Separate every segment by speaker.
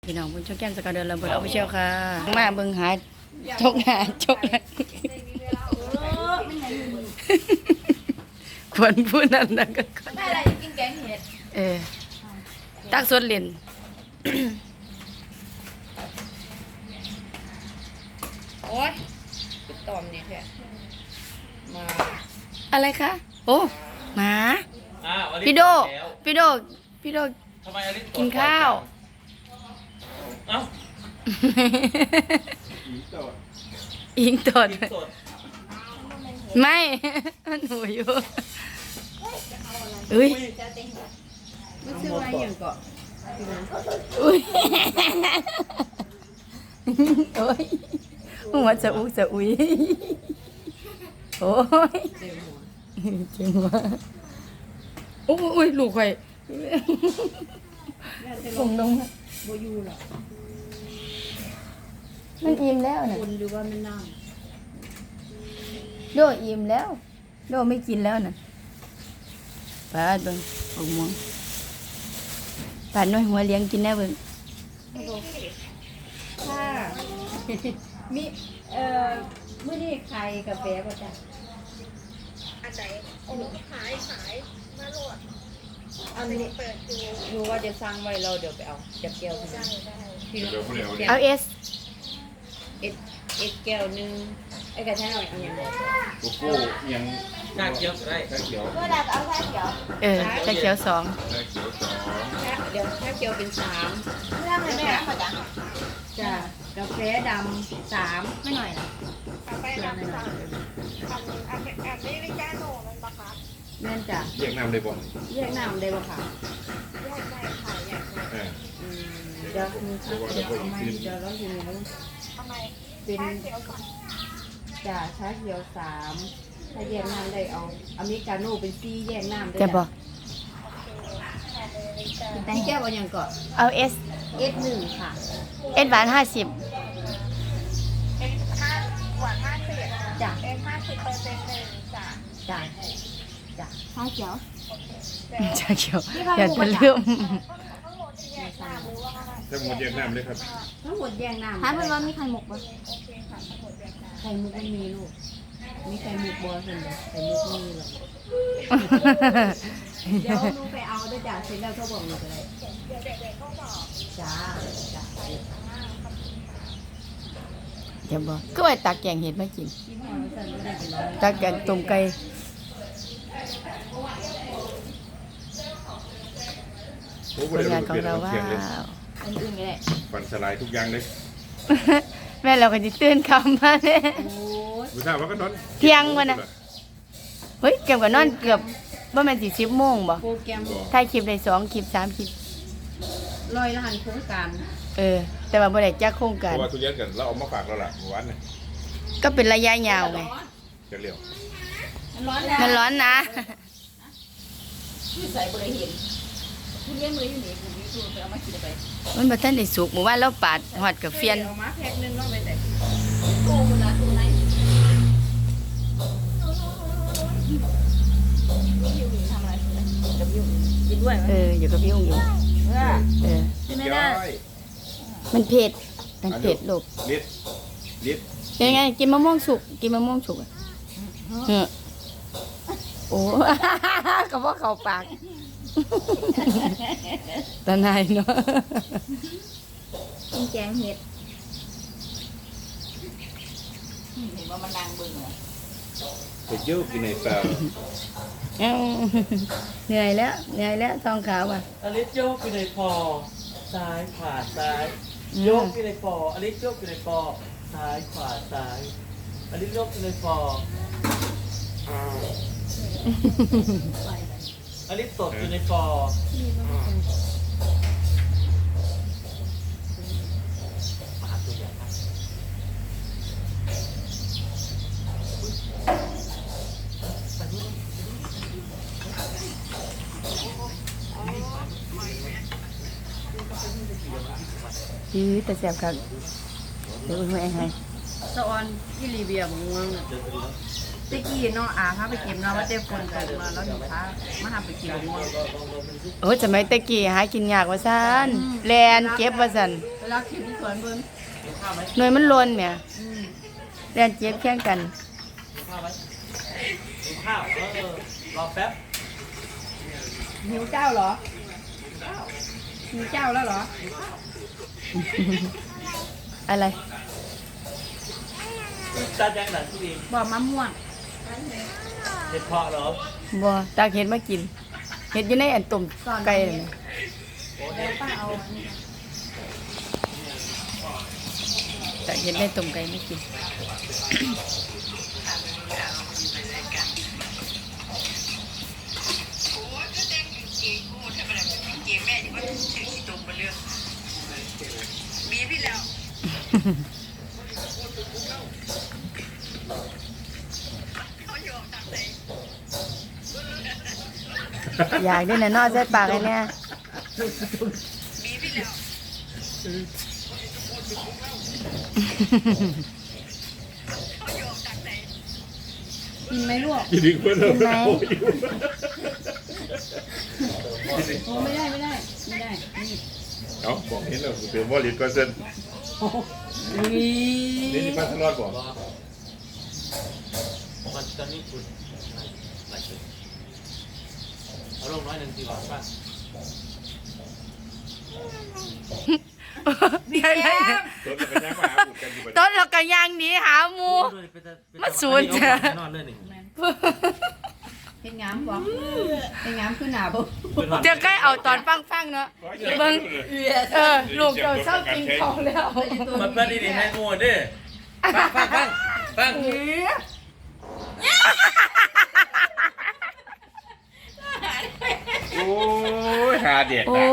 Speaker 1: พี่น้องบนช่องแก้มสกาวเดินลำบนเอาไปเชียวค่ะมาเบิ่งหาจกหาควรพูดนั่นนะก็
Speaker 2: ได้อะไรกินแกงเห็ด
Speaker 1: ตักสดเล่น
Speaker 2: โอ๊ยติดต่อมเนี่ยแค่มา
Speaker 1: อะไรคะโอ้หมาพี่โดกินข้าว
Speaker 3: เอ้า
Speaker 1: อิงตดไม่มันหนูอยู่อุ้ย
Speaker 2: ไม่ซื้อมาอย่างก่อน
Speaker 1: อุ้ยโอ้ยหัวจะอุ้จะอุ้ยโอ้ยเจ๋งว่ะโอ้ยลูกไข่ส่งลง
Speaker 2: โบยูหรอ
Speaker 1: มันอิ่มแล้วน่ะ
Speaker 2: คุณหรือว่ามันนั่ง
Speaker 1: โดอิ่มแล้วโดไม่กินแล้วน่ะปาดเบิ่งออกม่วงปาดน้อยหัวเลี้ยงกินแน่เบิ่ง
Speaker 2: ค่ะมีมื้อนี้ไข่กาแฟป่ะจ๊ะ
Speaker 4: อันไหนโอ้ขายมาโหลด
Speaker 2: อันนี้
Speaker 4: เปิดดู
Speaker 2: รู้ว่าจะสั่งไว้เราเดี๋ยวไปเอาจับแก้วได้
Speaker 1: เอาเอส
Speaker 2: แก้วนึงไอ้กระชายหน่อยเอาอย่างไร
Speaker 3: โกโก้ยังชาเขียวได้ชาเขียว
Speaker 2: ก็ได้เอาชาเขียว
Speaker 1: ชาเขียว2
Speaker 3: ชาเขียว2
Speaker 2: เดี๋ยวชาเขียวเป็น3เรื่องอะไรแม่มาจ้ะกาแฟดำ3ไม่หน่อยนะ
Speaker 4: กาแฟดำสั่งอันนี้ไม่แก้โหนมันปะคะ
Speaker 2: แม่นจ้ะ
Speaker 3: แยกน้ำได้บ่
Speaker 2: แยกน้ำได้บ่ค่ะ
Speaker 4: แยกได้ค่ะแยกได้
Speaker 2: เดี๋ยวมีชาเขียวเอามาเดี๋ยวเราอยู่นู้น
Speaker 4: ทำไม
Speaker 2: เป็นจ้ะชาเขียว3ถ้าแยกน้ำได้เอาอเมริกาโน่เป็น4แยกน้ำได้
Speaker 1: จะบอก
Speaker 2: แต่แก้วเอาอย่างก่อน
Speaker 1: เอาเอส
Speaker 2: 1ค่ะ
Speaker 1: เอสหวาน50
Speaker 4: เอ็น5หวาน50
Speaker 2: จ้ะ
Speaker 4: เอ็น50%1จ้ะ
Speaker 2: จ้ะชาเขียว
Speaker 1: ชาเขียวอย่าจะเลื่อม
Speaker 3: ทั้งหมดแยกน้ำเลยครับ
Speaker 2: ทั้งหมดแยกน้ำ
Speaker 1: ถามเพื่อนว่ามีไข่หมกปะ
Speaker 2: ไข่มุกไม่มีลูกมีไข่มุกบอสเลยไข่มุกไม่มีหรอกเดี๋ยวหนูไปเอาด้วยจ้ะเสร็จแล้วเขาบอกหนูอะไร
Speaker 4: เดี๋ยวเด็กๆเขาบอก
Speaker 2: จ้า
Speaker 1: จะบอกก็ไปตักแกงเห็ดมากินตักแกงต้มไก่ผลงานของเราว่า
Speaker 2: อันอื่นก็ได้
Speaker 3: ฝันสลายทุกอย่างเลย
Speaker 1: แม่เราก็จะตื่นคำมาเลย
Speaker 3: ผู้ชายว่าก็นอน
Speaker 1: เที่ยงวันน่ะเฮ้ยเก็บกับนอนเกือบว่ามัน10 โมงบ่
Speaker 2: โปรแกรม
Speaker 1: ถ่ายคลิปได้2 คลิป 3 คลิป
Speaker 2: 100ล้านโครงการ
Speaker 1: แต่ว่าบ่ได้จักโครงการ
Speaker 3: เพราะว่าทุเรียนกันเราเอามาฝากเราล่ะเมื่อวานน่ะ
Speaker 1: ก็เป็นระยะยาวไง
Speaker 3: จะเร็ว
Speaker 1: มันร้อนนะ
Speaker 2: ใส่บริเห็นทุเรียนมืออยู่นี่ผมมีสูตรไปเอามากินไป
Speaker 1: มันบ่ทันได้สุกหมู่บ้านเราปาดฮอดกับเฟียน
Speaker 2: เอามาแพ็คนึงเนาะไปแต่โอ้คุณนะตัวไหนทำอะไรกับยุ่งกินด้วยไหม
Speaker 1: อยู่กับพี่อุ้งอยู่
Speaker 2: กินไม่ได้
Speaker 1: มันเผ็ดลูก
Speaker 3: ลิด
Speaker 1: ยังไงกินมะม่วงสุกอ่ะโอ้ ก็บ่เข้าปากตาหนายเนาะ
Speaker 2: กินแกงเห็ดเห็นว่ามันดังบึ้งเหรอ
Speaker 3: ไปเยอะกินในเปล่า
Speaker 1: เหนื่อยแล้วทองขาวอ่ะ
Speaker 5: อลิสโยกอยู่ในปอซ้ายขวาซ้ายโยกอยู่ในปออลิสโยกอยู่ในปอซ้ายขวาซ้ายอลิสโยกอยู่ในปออลิสตดอยู่ในปอ
Speaker 1: แต่แซ่บครับเดี๋ยวอุ้ยให้
Speaker 2: สะออนที่ลีเบียของเมืองน่ะตะกี้เนาะพาไปเก็บเนาะว่าเต็มคนกันมาแล้วอยู่พามาหาไปเก็บม่วง
Speaker 1: โอ้ยสมัยตะกี้หากินยากว่าซั่นแลนเก็บว่าซั่น
Speaker 2: เวลาเก็บที่สวนเบิ่ง
Speaker 5: กินข้าวไหม
Speaker 1: หน่วยมันหล่นแหม
Speaker 2: อืม
Speaker 1: แลนเก็บแข่งกัน
Speaker 5: กินข้าวไหมกินข้าวรอแป๊บ
Speaker 2: หิวเจ้าเหรอหิวเจ้าแล้วเหรอ
Speaker 1: อะไร
Speaker 5: จานยังหนังที่ดี
Speaker 2: บอกมะม่วง
Speaker 5: เห็ดเพาะเหรอ
Speaker 1: บ่ตากเห็ดมากินเห็ดอยู่ในอันต้มไก่นั่นน่ะ
Speaker 2: แล้วป้าเอาอันนี้
Speaker 1: ตากเห็ดในต้มไก่ไม่กิน อยากได้น่ะเนอใส่ปากไอ้เนี่ย
Speaker 2: กินไหมลูก
Speaker 3: ยินดีเพื่อนเรา
Speaker 1: กินไหม
Speaker 2: โอ้ไม่ได้นี่
Speaker 3: เอาบอกเห็นแล้วเปลี่ยนว่าลิ้นก็เส้นนี่ที่ป้าทะเลาะบอก
Speaker 5: รอมันตอนนี้คุณไหลขึ้นเอาลงน้อยหนึ่งดีกว่าป่ะ
Speaker 3: ต้นเราเป็นย่างมาหาบุตรกันอยู่ประจ
Speaker 1: ต้นเราก็ย่างหนีหาหมู มาสูน
Speaker 5: นอนเลยหนึ่ง
Speaker 2: เป็นงามบ่เป็นงามขึ้นหนาบ่
Speaker 1: เดี๋ยวใกล้เอาตอนฟังๆเนาะเบิ่งลูกเจ้าเศร้ากินของแล้ว
Speaker 5: มันเป็นดีๆให้งูดิฟัง
Speaker 3: โอ้ยหาเด็ก
Speaker 1: โอ้
Speaker 3: นะ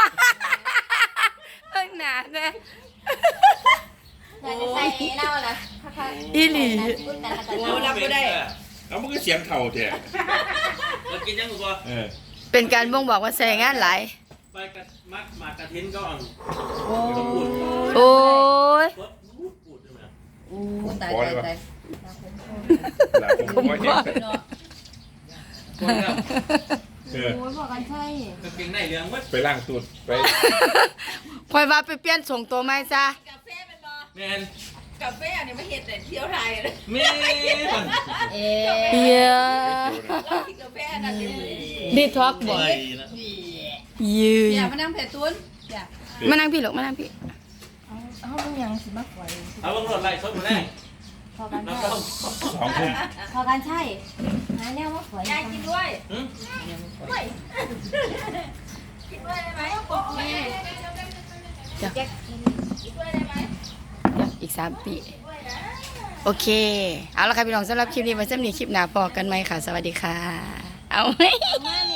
Speaker 1: เพิ่งหนาแน่
Speaker 4: อยากจะใส่เน่านะ
Speaker 1: อีหลี
Speaker 4: พูดแต่ละ
Speaker 5: โอ้รับไม่ได้
Speaker 3: เอามันก็เสียงเข่าเถอะ
Speaker 5: เรากินยังกูบ่
Speaker 1: เป็นการบ่งบอกว่าใส่งานหลาย
Speaker 5: ไปกับมักหมากกระทิ้นก็อ่อน
Speaker 2: โอ้
Speaker 1: โอ้ย
Speaker 5: ปวดปูดใช่ไหม
Speaker 2: โอ้ตาย
Speaker 3: หลายคนว่าเห็น
Speaker 5: ปวดครับ
Speaker 3: เออ
Speaker 4: โอ้ยบอกกันใช่
Speaker 5: กางเกงในเหลืองวัด
Speaker 3: ไปล่างตูดไป
Speaker 1: คอยว่าไปเปลี่ยนส่งตัวใหม่ซะ
Speaker 4: กาแฟเป็นบอ
Speaker 5: แมน
Speaker 4: กาแฟอันนี้มาเห็ดแต่เที่ยวไทยเลย
Speaker 5: มี
Speaker 2: เอ๊
Speaker 1: เฮีย
Speaker 4: เรากินกาแฟนั่นเอง
Speaker 1: ดีท็อกบ่
Speaker 5: ไปนะ
Speaker 1: ยืน
Speaker 2: อย่ามานั่งเผ็ดตุ้นอย่า
Speaker 1: มานั่งพี่ลูกมานั่งพี่
Speaker 2: เอาเป็นยังสิมากกว่า
Speaker 5: เอาลงรถไล่ชนมาแน่
Speaker 4: พอกัน
Speaker 5: น้ำ
Speaker 4: ใช่
Speaker 5: ต้ม
Speaker 3: 2 ทุ่ม
Speaker 4: พอกันใช่หาแนวว่าฝอยยายกินด้วย
Speaker 5: หืม
Speaker 4: ด้วยกินด้วยได้ไหมแม่
Speaker 1: จ้ะ
Speaker 4: แจ็คกินด้วยได้ไหม
Speaker 1: อีก3 ปี โอเค เอาละค่ะพี่น้องสำหรับคลิปนี้ไว้สำหรับคลิปหน้าพอกันไหมค่ะ สวัสดีค่ะ เอาไหม